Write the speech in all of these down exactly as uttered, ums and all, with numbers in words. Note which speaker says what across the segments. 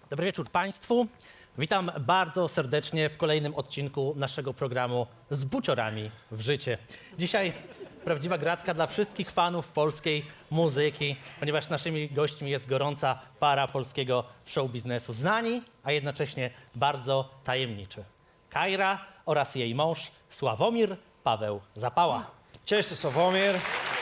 Speaker 1: Dobry wieczór Państwu. Witam bardzo serdecznie w kolejnym odcinku naszego programu Z buciorami w życie. Dzisiaj prawdziwa gratka dla wszystkich fanów polskiej muzyki, ponieważ naszymi gośćmi jest gorąca para polskiego show biznesu. Znani, a jednocześnie bardzo tajemniczy. Kajra oraz jej mąż Sławomir Paweł Zapała.
Speaker 2: Cześć, to Sławomir.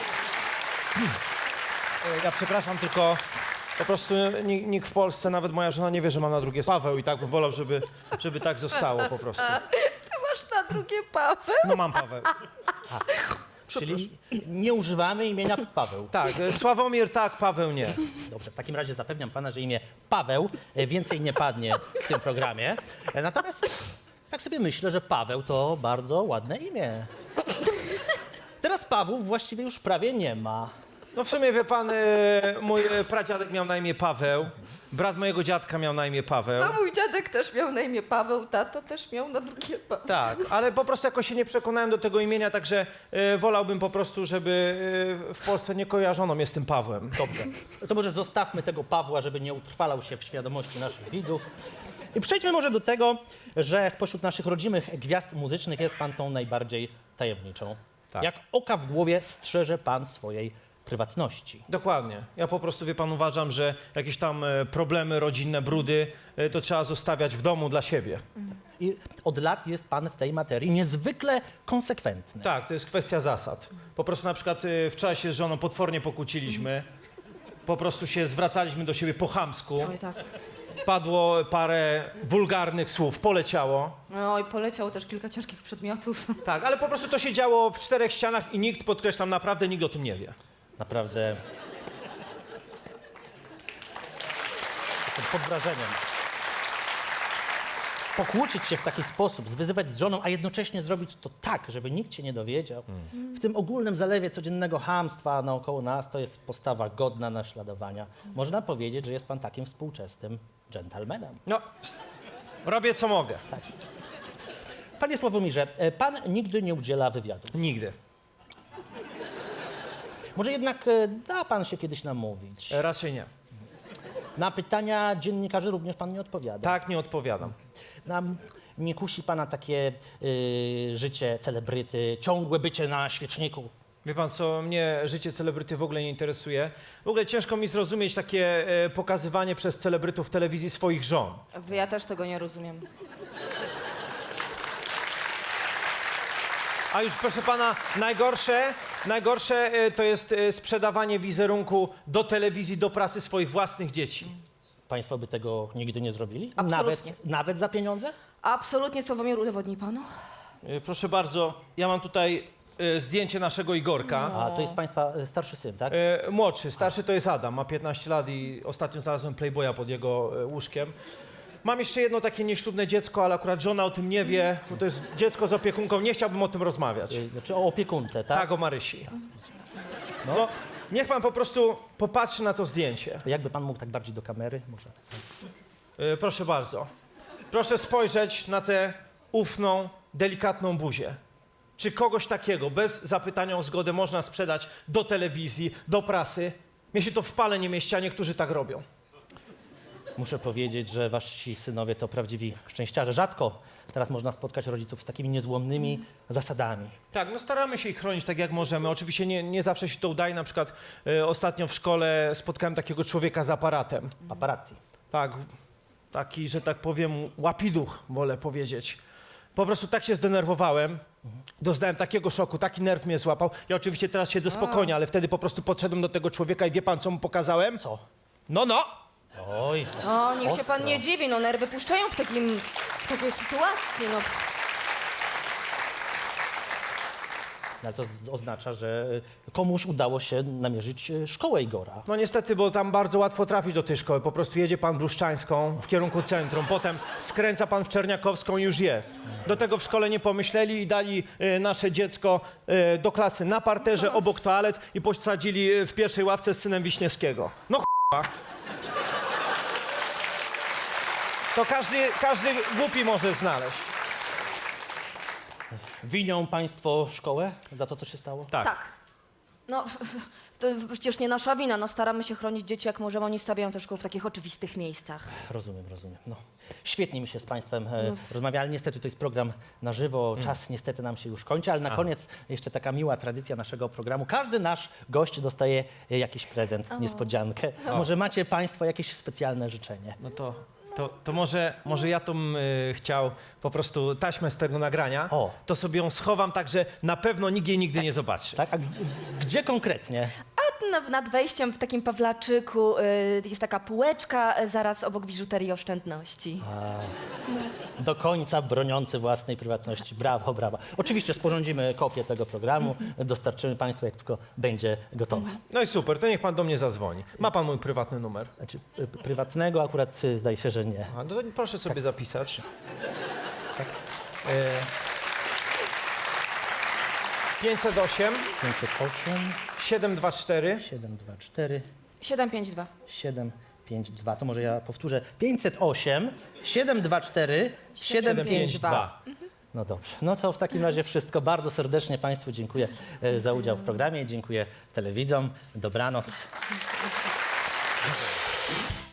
Speaker 2: Ja przepraszam, tylko po prostu nikt, nikt w Polsce, nawet moja żona nie wie, że mam na drugie Paweł i tak bym wolał, żeby, żeby tak zostało po prostu.
Speaker 3: Ty masz na drugie Paweł?
Speaker 2: No mam Paweł.
Speaker 1: Czyli nie używamy imienia Paweł.
Speaker 2: Tak, Sławomir tak, Paweł nie.
Speaker 1: Dobrze, w takim razie zapewniam pana, że imię Paweł e, więcej nie padnie w tym programie. E, Natomiast tak sobie myślę, że Paweł to bardzo ładne imię. Teraz Pawłów właściwie już prawie nie ma.
Speaker 2: No w sumie wie pan, e, mój e, pradziadek miał na imię Paweł, brat mojego dziadka miał na imię Paweł.
Speaker 3: No mój dziadek też miał na imię Paweł, tato też miał na drugie Paweł.
Speaker 2: Tak, ale po prostu jakoś się nie przekonałem do tego imienia, także e, wolałbym po prostu, żeby e, w Polsce nie kojarzono mnie z tym Pawłem.
Speaker 1: Dobrze. To może zostawmy tego Pawła, żeby nie utrwalał się w świadomości naszych widzów. I przejdźmy może do tego, że spośród naszych rodzimych gwiazd muzycznych jest pan tą najbardziej tajemniczą.
Speaker 2: Tak.
Speaker 1: Jak oka w głowie strzeże pan swojej prywatności.
Speaker 2: Dokładnie. Ja po prostu, wie pan, uważam, że jakieś tam e, problemy rodzinne, brudy, e, to trzeba zostawiać w domu dla siebie.
Speaker 1: I od lat jest pan w tej materii niezwykle konsekwentny.
Speaker 2: Tak, to jest kwestia zasad. Po prostu na przykład e, wczoraj się z żoną potwornie pokłóciliśmy. Po prostu się zwracaliśmy do siebie po chamsku.
Speaker 3: Oj tak.
Speaker 2: Padło parę wulgarnych słów, poleciało.
Speaker 3: No i poleciało też kilka ciężkich przedmiotów.
Speaker 2: Tak, ale po prostu to się działo w czterech ścianach i nikt, podkreślam, naprawdę nikt o tym nie wie.
Speaker 1: Naprawdę jestem pod wrażeniem. Pokłócić się w taki sposób, zwyzywać z żoną, a jednocześnie zrobić to tak, żeby nikt się nie dowiedział.
Speaker 2: Hmm.
Speaker 1: W tym ogólnym zalewie codziennego chamstwa naokoło nas to jest postawa godna naśladowania. Można powiedzieć, że jest pan takim współczesnym dżentelmenem.
Speaker 2: No, robię co mogę.
Speaker 1: Panie Sławomirze, e, pan nigdy nie udziela wywiadów.
Speaker 2: Nigdy.
Speaker 1: Może jednak e, da pan się kiedyś namówić.
Speaker 2: E, Raczej nie.
Speaker 1: Na pytania dziennikarzy również pan nie odpowiada.
Speaker 2: Tak, nie odpowiadam.
Speaker 1: Nam nie kusi pana takie y, życie celebryty, ciągłe bycie na świeczniku.
Speaker 2: Wie pan co, mnie życie celebryty w ogóle nie interesuje. W ogóle ciężko mi zrozumieć takie e, pokazywanie przez celebrytów w telewizji swoich żon.
Speaker 3: Ja też tego nie rozumiem.
Speaker 2: A już proszę pana, najgorsze, najgorsze e, to jest e, sprzedawanie wizerunku do telewizji, do prasy swoich własnych dzieci.
Speaker 1: Państwo by tego nigdy nie zrobili?
Speaker 3: Absolutnie.
Speaker 1: Nawet, nawet za pieniądze?
Speaker 3: Absolutnie, Sławomir, udowodni panu?
Speaker 2: E, proszę bardzo, ja mam tutaj e, zdjęcie naszego Igorka.
Speaker 1: A to jest państwa y, starszy syn, tak?
Speaker 2: E, młodszy, starszy to jest Adam, ma piętnaście lat i ostatnio znalazłem Playboya pod jego e, łóżkiem. Mam jeszcze jedno takie nieślubne dziecko, ale akurat żona o tym nie wie, bo to jest dziecko z opiekunką, nie chciałbym o tym rozmawiać.
Speaker 1: Y, Znaczy o opiekunce, tak?
Speaker 2: Tak, o Marysi. No, niech pan po prostu popatrzy na to zdjęcie.
Speaker 1: Jakby pan mógł tak bardziej do kamery? Może.
Speaker 2: E, proszę bardzo. Proszę spojrzeć na tę ufną, delikatną buzię. Czy kogoś takiego, bez zapytania o zgodę, można sprzedać do telewizji, do prasy? Mnie się to w pale nie mieści, a niektórzy tak robią.
Speaker 1: Muszę powiedzieć, że wasi synowie to prawdziwi szczęściarze. Rzadko teraz można spotkać rodziców z takimi niezłomnymi zasadami.
Speaker 2: Tak, no staramy się ich chronić tak jak możemy. Oczywiście nie, nie zawsze się to udaje. Na przykład e, ostatnio w szkole spotkałem takiego człowieka z aparatem.
Speaker 1: Paparazzi.
Speaker 2: Tak, taki, że tak powiem, łapiduch, wolę powiedzieć. Po prostu tak się zdenerwowałem, doznałem takiego szoku, taki nerw mnie złapał. Ja oczywiście teraz siedzę spokojnie, ale wtedy po prostu podszedłem do tego człowieka i wie pan, co mu pokazałem?
Speaker 1: Co?
Speaker 2: No, no!
Speaker 1: Oj.
Speaker 3: O, niech się
Speaker 1: Ostro.
Speaker 3: pan nie dziwi, no nerwy puszczają w takim, w takiej sytuacji, no.
Speaker 1: Ale to z- oznacza, że komuś udało się namierzyć e, szkołę Igora.
Speaker 2: No niestety, bo tam bardzo łatwo trafić do tej szkoły. Po prostu jedzie pan Bluszczańską w kierunku centrum, potem skręca pan w Czerniakowską i już jest. Do tego w szkole nie pomyśleli i dali e, nasze dziecko e, do klasy na parterze obok toalet i posadzili e, w pierwszej ławce z synem Wiśniewskiego. No ch**a. To każdy, każdy głupi może znaleźć.
Speaker 1: Winią państwo szkołę za to, co się stało?
Speaker 2: Tak.
Speaker 3: Tak. No, to przecież nie nasza wina, no staramy się chronić dzieci jak możemy, oni stawiają te szkoły w takich oczywistych miejscach.
Speaker 1: Rozumiem, rozumiem. No, świetnie mi się z Państwem e, rozmawia, ale niestety to jest program na żywo, czas niestety nam się już kończy, ale na koniec jeszcze taka miła tradycja naszego programu. Każdy nasz gość dostaje e, jakiś prezent, niespodziankę. Może macie Państwo jakieś specjalne życzenie?
Speaker 2: No to, to, to może, może ja to y, chciał po prostu taśmę z tego nagrania,
Speaker 1: O.
Speaker 2: to sobie ją schowam tak, że na pewno nikt jej nigdy nie zobaczy.
Speaker 1: Tak? A gdzie, gdzie konkretnie?
Speaker 3: A na, nad wejściem w takim Pawlaczyku y, jest taka półeczka y, zaraz obok biżuterii oszczędności.
Speaker 1: Do końca broniący własnej prywatności. Brawo, brawo. Oczywiście sporządzimy kopię tego programu, dostarczymy Państwu, jak tylko będzie gotowe.
Speaker 2: No i super, to niech pan do mnie zadzwoni. Ma pan mój prywatny numer?
Speaker 1: Znaczy, y, prywatnego akurat y, zdaje się, że nie.
Speaker 2: A, no to proszę sobie zapisać. Tak. E, pięćset osiem,
Speaker 1: pięćset osiem,
Speaker 2: siedem dwa cztery,
Speaker 1: siedem dwa cztery,
Speaker 3: siedem pięć dwa.
Speaker 1: siedem pięć dwa. To może ja powtórzę. pięćset osiem, siedem dwa cztery, siedem pięć dwa. No dobrze. No to w takim razie wszystko. Bardzo serdecznie Państwu dziękuję e, za udział w programie. Dziękuję telewidzom. Dobranoc.